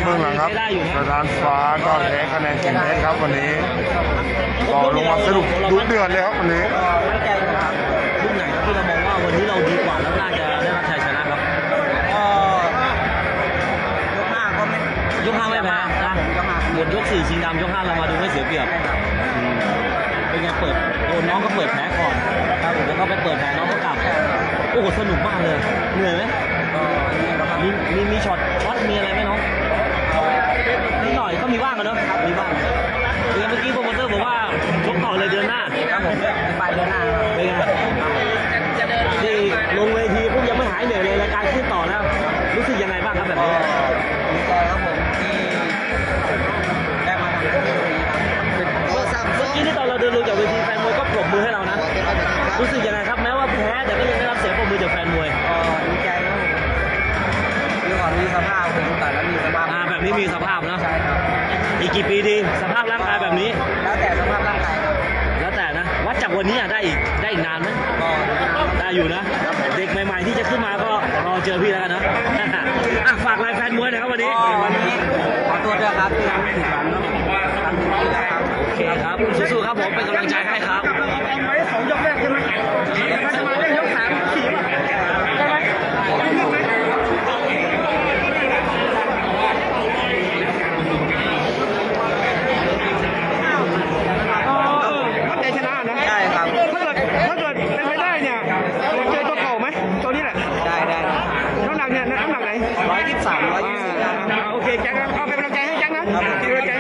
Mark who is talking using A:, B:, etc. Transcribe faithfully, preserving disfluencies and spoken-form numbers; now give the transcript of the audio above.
A: เบื้องหลังครับประธานฟ้าก็แพ้คะแนนเก่งเพชรครับวันนี้ก็ลงมาสรุปดุเดือดเลยครับวันนี้
B: ไม่ใจนะครับลูกไหนที่เรามองว่าวันนี้เราดีกว่าแล้วน่าจะได้รับชัยชนะครับก็ยกห้าก็ไม่ยกห้าไม่แพ้นะหมดยกสี่ชิงดำยกห้าเรามาดูไม่เสียเปรียบเป็นไงเปิดโดนน้องก็เปิดแผลก่อนครับแล้วก็ไปเปิดแผลน้องก็กลับโอ้โหสนุกมากเลยเหนื่อยไหมมีมีมีช็อตช็อตมีอะไรไหมน้องนิดหน่อยก็มีบ้างกันเนาะมีบ้างเมื่อกี้โปรโมเตอร์บอกว่าชกต่อเลยเดือนหน้าครับผมไปเดือนหน้าเป็นไงที่ลงเวทีพวกยังไม่หายเหนื่อยเลยรายการขึ้นต่อแล้วรู้สึกยังไงบ้างครับแบบนี้ดีใจครับผมที่ได้มาทำที่นี้ครับเมื่อกี้ที่ตอนเราเดินลงจากเวทีแฟนมวยก็ปรบมือให้เรานะรู้สึกยังไงครับแม้ว่าแพ้แต่ก็ยังได้รับเสียงปรบมือจากแฟนมวยดีใจครับผมมีความมีสภาพผมแต่แล้วมีสภาพแบบนี้มีสภาพนะใช่ครับอีกกี่ปีดีสภาพร่างกายแบบนี้แล้วแต่สภาพร่างกายครับแล้วแต่นะวัดจากวันนี้ได้อีกได้อีกนานไหมก็ได้อยู่นะเด็กใหม่ๆที่จะขึ้นมาก็รอเจอพี่แล้วกันนะฝากรายแฟนมวยนะครับวันนี้วันนี้ขอตัวด้วยครับที่ทำให้ผิดหวังนะทำดีแล้วครับโอเคครับสู้ๆครับผมเป็นกำลังใจให้ครับเอาไว้สองยกแรกใช่ไหมจะมาเล่นยกสามสี่ได้ไหม
C: ร้อยยี่สิบสามร้อยยี่สิบสี่โอเคแจ็คครับเอาไป